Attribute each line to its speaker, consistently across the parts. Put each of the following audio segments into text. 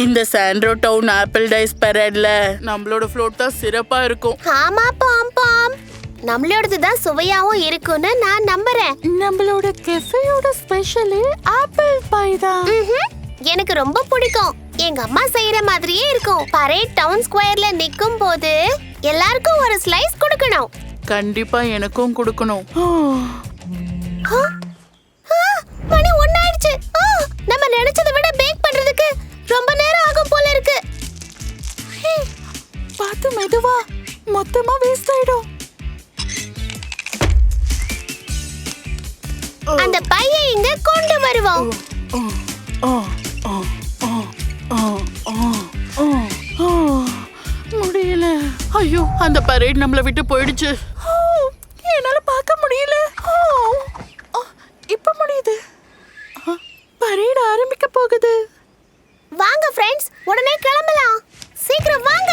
Speaker 1: இந்த Sandro town apple days பரேட்ல நம்மளோட ஃப்ளோட் தான் சிறப்பா இருக்கும்.
Speaker 2: ஆமா பாம் பாம், நம்மளோடது தான் சுவையாவும் இருக்கும்னு நான் நம்புறேன்.
Speaker 1: நம்மளோட கெஃபேயோட ஸ்பெஷல் ஆப்பிள் பை தான்.
Speaker 2: எனக்கு ரொம்ப பிடிக்கும். எங்க அம்மா செய்யற மாதிரியே இருக்கும். பரேட் டவுன் ஸ்கொயர்ல நிக்கும் போது எல்லாருக்கும் ஒரு ஸ்லைஸ் கொடுக்கணும்.
Speaker 1: கண்டிப்பா எனக்கும் கொடுக்கணும்.
Speaker 2: மணி 1 ஆயிடுச்சு. நம்ம நினைச்சதை விட பேக் பண்றதுக்கு ரொம்ப நேரம் ஆகும் போல இருக்கு.
Speaker 1: பார்த்து மெதுவா, மொத்தமா வேஸ்ட் ஆயிடும்.
Speaker 2: அந்த பையை இங்க கொண்டு வருவோம்.
Speaker 1: முடியல. ஐயோ, அந்த பரேட் நம்மள விட்டு போயிடுச்சு. என்னால பார்க்க முடியல. இப்ப முடியுது. பரேட் ஆரம்பிக்க போகுது.
Speaker 2: வாங்க ஃப்ரெண்ட்ஸ், உடனே கிளம்பலாம். சீக்கிரம் வாங்க.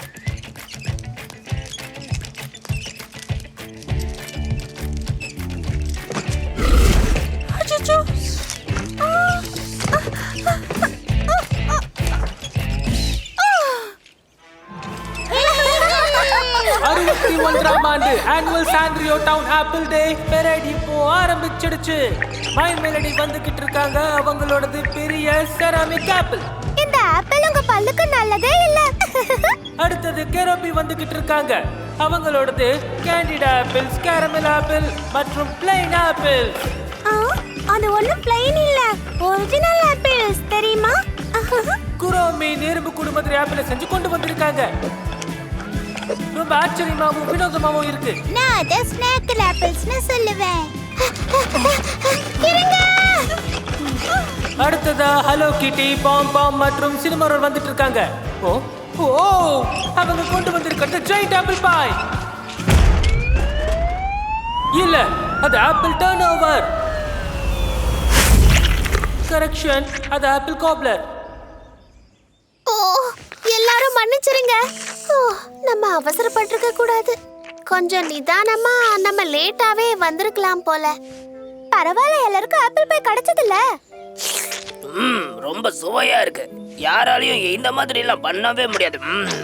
Speaker 1: அச்சச்சோ.
Speaker 3: 61ஆம் ஆண்டு annual Sandro town apple day parade இப்போ ஆரம்பிச்சிடுச்சு. மை மெலடி வந்துகிட்டு இருக்காங்க. அவங்களோடது பெரிய செராமிக் ஆப்பிள்.
Speaker 2: இந்த ஆப்பிள் உங்க பல்லுக்கு நல்லதே இல்ல.
Speaker 3: அடுத்தது கெரோபி வந்துகிட்டு இருக்காங்க. அவங்களோடது கேண்டிட் ஆப்பிள்ஸ், கேரமல் ஆப்பிள் மற்றும் பிளைன் ஆப்பிள்.
Speaker 2: அது ஒண்ணு பிளைன் இல்ல, ஒரிஜினல் ஆப்பிள்ஸ் தெரியுமா?
Speaker 3: குரோமி எறும்பு குடும்பத்துல ஆப்பிளை செஞ்சு கொண்டு வந்திருக்காங்க. ரொம்ப ஆச்சரியமாவும் வினோதமாவும் இருக்கு.
Speaker 2: நான் அத ஸ்நாக் ஆப்பிள்ஸ்னு சொல்லுவேன்.
Speaker 3: அடுத்ததா ஹலோ கிட்டி, பாம் பாம் மற்றும் சினிமாரோல் வந்துட்டு இருக்காங்க. ஓ ஓ, அவங்க கொண்டு வந்திருக்கிறது ஜெயிண்ட் ஆப்பிள் பாய். இல்ல, அது ஆப்பிள் டர்ன் ஓவர். கரெக்ஷன், அது ஆப்பிள் காப்லர்.
Speaker 2: ஓ, எல்லாரும் மன்னிச்சிருங்க. நம்ம அவசரப்பட்டிருக்க கூடாது. கொஞ்சம் நிதானமா நம்ம லேட்டாவே வந்திருக்கலாம் போல. பரவாயில்ல, எல்லாருக்கும் ஆப்பிள் பை கிடைச்சதில்ல.
Speaker 4: ரொம்ப சுவையா இருக்கு. யாராலையும் இந்த மாதிரி எல்லாம் பண்ணவே முடியாது.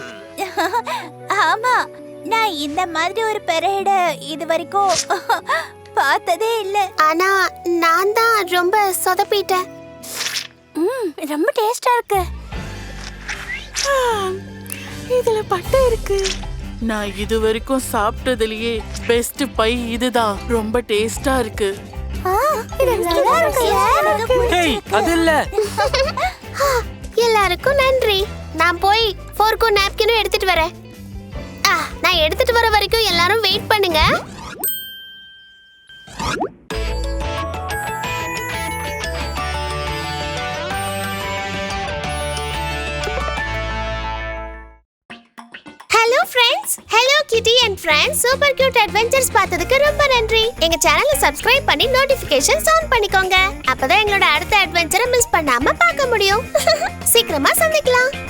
Speaker 2: ஆமா, நான் இந்த மாதிரி ஒரு பரேட இது வரைக்கும் பார்த்ததே இல்ல. ஆனா நான் தான் ரொம்ப சொதப்பிட்டேன். ரொம்ப டேஸ்டா இருக்கு.
Speaker 1: இதுல பட்டை இருக்கு. நான் இது வரைக்கும் சாப்பிட்டதுலயே பெஸ்ட் பை இதுதான். ரொம்ப டேஸ்டா இருக்கு.
Speaker 3: ஹேய், அது இல்ல.
Speaker 2: எல்லாருக்கும் நன்றி. நான் போய் ஃபோர்க்கும் நாப்கினும் எடுத்துட்டு வரேன். நான் எடுத்துட்டு வர வரைக்கும் எல்லாரும் வெயிட் பண்ணுங்க. Hello friends, hello Kitty and friends, super cute adventures பார்த்ததுக்கு ரொம்ப நன்றி. எங்க சேனலை சப்ஸ்கிரைப் பண்ணி நோட்டிஃபிகேஷன்ஸ் ஆன் பண்ணிக்கோங்க. அப்பதான் எங்களோட அடுத்த அட்வென்ச்சரை மிஸ் பண்ணாம பார்க்க முடியும். சீக்கிரமா சந்திக்கலாம்.